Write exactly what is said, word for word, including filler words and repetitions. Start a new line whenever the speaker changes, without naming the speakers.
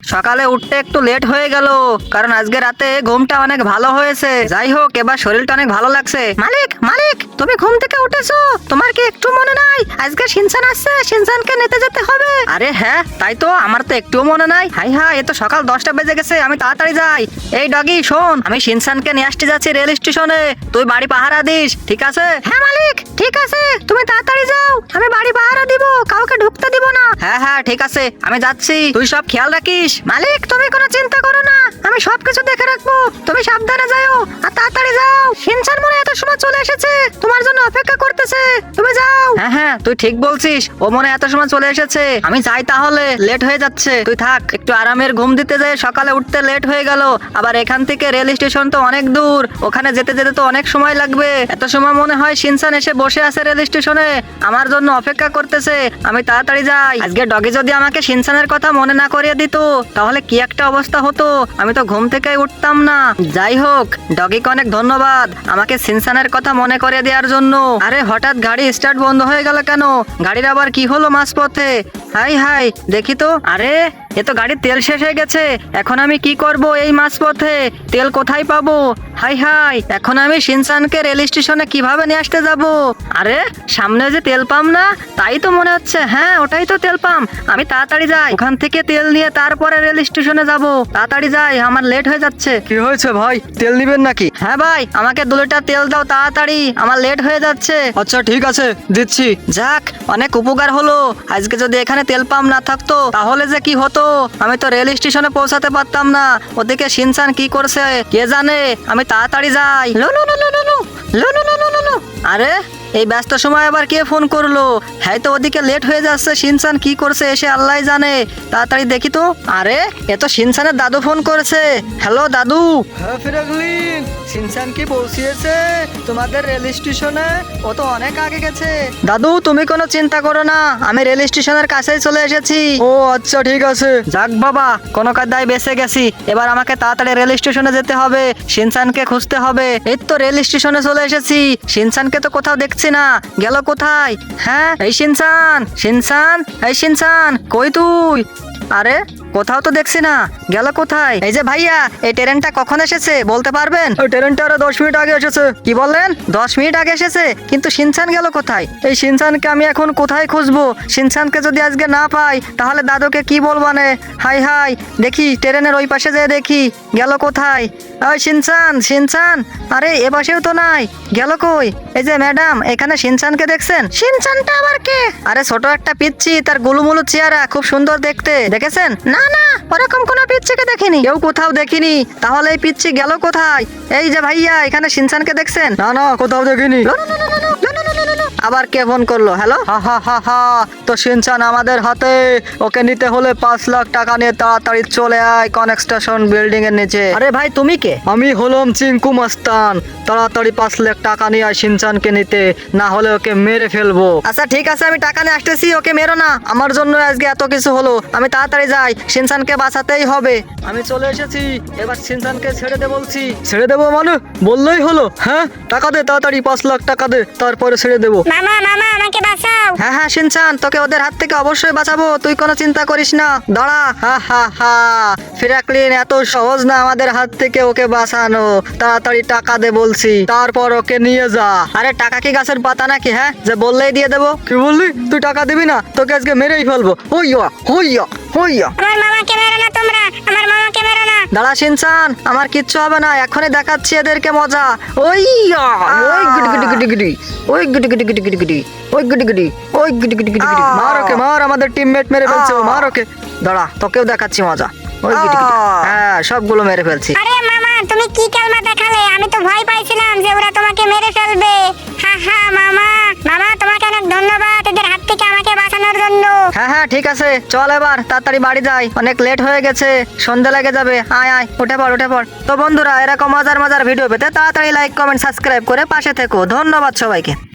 সকালে উঠতে একটু লেট হয়ে গেল, কারণ আজকে রাতে ঘুমটা অনেক ভালো হয়েছে। যাই হোক, এবার শরীরটা অনেক ভালো লাগছে। মালিক মালিক তুমি ঘুম থেকে উঠেছো? তোমার কি একটু মনে নাই আজকে শিনচান আসছে, শিনচানকে নিতে যেতে হবে? আরে হ্যাঁ, তাই তো, আমার তো একটুও মনে নাই। হাই হাই, এ তো সকাল দশটা বেজে গেছে, আমি তাড়াতাড়ি যাই। এই ডগি শোন, আমি শিনচানকে নিয়ে আসতে যাচ্ছি রেল স্টেশনে, তুই বাড়ি পাহারা দিস, ঠিক আছে? হ্যাঁ মালিক, ঠিক আছে, তুমি তাড়াতাড়ি যাও, আমি বাড়ি পাহারা দিব, কাউকে ঢুকতে দিব না। হ্যাঁ হ্যাঁ ঠিক আছে, আমি যাচ্ছি, তুই সব খেয়াল রাখিস। মালিক তুমি কোনো চিন্তা করো না, আমি সবকিছু দেখে রাখবো, তুমি সাবধানে যাও আর তাড়াতাড়ি যাও। শিনচান মনে এত সময় চলে এসেছে, তোমার জন্য অপেক্ষা করতেছে, তুমি যাও। হ্যাঁ হ্যাঁ তুই ঠিক বলছিস, ও মনে এত সময় চলে এসেছে, আমি যাই তাহলে, লেট হয়ে যাচ্ছে। তুই থাক, একটু আরামের ঘুম দিতে যায়, সকালে উঠতে লেট হয়ে গেল, আবার এখান থেকে রেল স্টেশন তো অনেক দূর, ওখানে যেতে যেতে তো অনেক সময় লাগবে। এত সময় মনে হয় শিনচান এসে বসে আছে রেল স্টেশনে, আমার জন্য অপেক্ষা করতেছে, আমি তাড়াতাড়ি যাই। আজকে ডগি যদি আমাকে শিনচানের কথা মনে না করিয়ে দিত, তাহলে কি একটা অবস্থা হতো, আমি তো ঘুম থেকে উঠতাম না। যাই হোক, ডগিকে অনেক ধন্যবাদ আমাকে শিনচানের কথা মনে করিয়ে দেওয়ার জন্য। আরে হঠাৎ গাড়ি স্টার্ট বন্ধ হয়ে গেল কেন? গাড়ির আবার কি হলো মাঝপথে? হাই হাই, দেখি তো। আরে এ তো গাড়ির তেল শেষ হয়ে গেছে, এখন আমি কি করব এই মাঝপথে? তেল কোথায় পাবো? হাই হাই, এখন আমি শিনচানকে রেল স্টেশনে কিভাবে নিয়ে আসতে যাব? আরে সামনে যে তেল পাম্প না, তাই তো মনে হচ্ছে। হ্যাঁ ওটাই তো তেল পাম্প, আমি তাড়াতাড়ি যাই, ওখান থেকে তেল নিয়ে তারপরে রেল স্টেশনে যাব। তাড়াতাড়ি যাই, আমার লেট হয়ে যাচ্ছে।
কি হয়েছে ভাই, তেল নিবেন নাকি?
হ্যাঁ ভাই, আমাকে দু লিটার তেল দাও তাড়াতাড়ি, আমার লেট হয়ে যাচ্ছে।
আচ্ছা ঠিক আছে, দিচ্ছি।
যাক, অনেক উপকার হলো। আজকে যদি এখানে তেল পাম্প না থাকতো তাহলে যে কি হতো, আমি তো রেল স্টেশনে পৌঁছাতে পারতাম না। ওদিকে শিনচান কি করছে কে জানে, আমি তাড়াতাড়ি যাই। লো লো লো লো লো লো লো লো লো লো লো। আরে এই ব্যস্ত সময় আবার কে ফোন করলো? হ্যাঁ তো ওদিকে লেট হয়ে যাচ্ছে, শিনচান কি করছে এসে আল্লাহ জানে, তাড়াতাড়ি দেখি তো। আরে এ তো শিনচানের দাদু ফোন করেছে। হ্যালো দাদু।
হ্যাঁ ফিরাগলিন, শিনচান কি পৌঁছিয়েছে তোমাদের রেল স্টেশনে? ও তো অনেক আগে গেছে।
দাদু তুমি কোনো চিন্তা করো না, আমি রেল স্টেশনের কাছেই চলে এসেছি।
ও আচ্ছা ঠিক আছে।
যাক বাবা, কোনো কাদায় বেঁচে গেছি। এবার আমাকে তাড়াতাড়ি রেল স্টেশনে যেতে হবে, শিনচানকে খুঁজতে হবে। এই তো রেল স্টেশনে চলে এসেছি, শিনচানকে তো কোথাও দেখছি না, গেল কোথায়? হ্যাঁ এই শিনচান, শিনচান, এই শিনচান কই তুই? আরে কোথাও তো দেখছি না, গেল কোথায়? এই যে ভাইয়া, এই ট্রেনটা কখন এসেছে বলতে পারবেন?
ওই ট্রেনটা আরো দশ মিনিট আগে এসেছে।
কি বললেন? দশ মিনিট আগে এসেছে, কিন্তু শিনচান গেল কোথায়?
এই শিনচানকে আমি এখন কোথায় খুঁজবো? শিনচানকে যদি আজকে না পাই তাহলে দাদুকে কি বলবো নে? হাই হাই, দেখি ট্রেনের ওই পাশে যেয়ে দেখি গেল কোথায়। ওই শিনচান, শিনচান, আরে এ পাশেও তো নাই, গেল কই? এই যে ম্যাডাম, এখানে শিনচানকে দেখছেন?
শিনচানটা আবার কে? আরে ছোট একটা পিচ্চি, তার গুলুমুলু চেহারা, খুব সুন্দর দেখতে, দেখেছেন? না না, ওরকম কোনো পিচ্চিকে দেখিনি।
কেউ কোথাও দেখিনি, তাহলে এই পিচ্চি গেল কোথায়? এই যে ভাইয়া, এখানে শিনচানকে দেখছেন? না না, কোথাও দেখিনি।
আবার কে ফোন করলো? হ্যালো।
হা হা হা হা, তো শিনচান আমাদের হাতে, ওকে নিতে হলে পাঁচ লাখ টাকা নিয়ে তাড়াতাড়ি চলে আয় কনস্ট্রাকশন বিল্ডিং এর নিচে।
আরে ভাই তুমি কে?
আমি হলাম চিঙ্কু মাস্তান, তাড়াতাড়ি পাঁচ লাখ টাকা নিয়ে আয় শিনচানকে নিতে, না হলে ওকে মেরে ফেলবো।
আচ্ছা ঠিক আছে, আমি টাকা নিয়ে আসতেছি, ওকে মেরো না।
আমার জন্য আজকে এত কিছু হলো, আমি তাড়াতাড়ি যাই, শিনচানকে বাঁচাতেই হবে। আমি চলে এসেছি, এবার শিনচানকে ছেড়ে দে বলছি। ছেড়ে দেবো মানে? বললেই হলো? হ্যাঁ টাকা দে তাড়াতাড়ি, পাঁচ লাখ টাকা দে, তারপরে ছেড়ে দেবো।
মামা মামা আমাকে বাঁচাও।
হ্যাঁ হ্যাঁ শিনচান, তোকে ওদের হাত থেকে অবশ্যই বাঁচাবো, তুই কোনো চিন্তা করিস না। দাঁড়া।
হা হা হা, ফিরাকলিন এত সহজ না আমাদের হাত থেকে ওকে বাঁচানো, তাড়াতাড়ি টাকা দে বলছি, তারপর ওকে নিয়ে যা।
আরে টাকা কি গাছের পাতা নাকি, হ্যাঁ যে বললেই দিয়ে দেবো?
কি বললি? তুই টাকা দিবি না? তোকে আজকে মেরেই ফেলবো। হইয়া হইয়া হইয়া।
আমার মামাকে মেরো না তোমরা, আমার মামাকে মেরো না।
দাঁড়া শিনচান, আমার কিচ্ছু হবে না, এখনই দেখাচ্ছি এদেরকে মজা।
ওই ওই গুডি গুডি গুডি গুডি, ওই গুডি গুডি গুডি গুডি গুডি, ওই গুডি গুডি, ওই গুডি গুডি গুডি গুডি। মার ওকে মার, আমাদের টিমমেট মেরে ফেলছে ও, মার ওকে। দাঁড়া, তোকেও দেখাচ্ছি মজা। ওই গুডি গুডি, হ্যাঁ সবগুলো মেরে ফেলছি।
আরে মামা তুমি কি কালমা দেখালে, আমি তো ভয় পাইছিলাম যে ওরা তোমাকে মেরে ফেলবে। হা হা মামা, মামা তোমাকে অনেক ধন্যবাদ এদের হাত থেকে আমাকে বাঁচানোর জন্য।
হ্যাঁ হ্যাঁ ঠিক আছে, চল এবার তাড়াতাড়ি বাড়ি যাই, অনেক লেট হয়ে গেছে, সন্ধ্যা লেগে যাবে। আয় আয়, উঠে পড় উঠে পড়। তো বন্ধুরা, এরকম মজার মজার ভিডিও পেতে তাড়াতাড়ি লাইক কমেন্ট সাবস্ক্রাইব করে পাশে থেকো। ধন্যবাদ সবাইকে।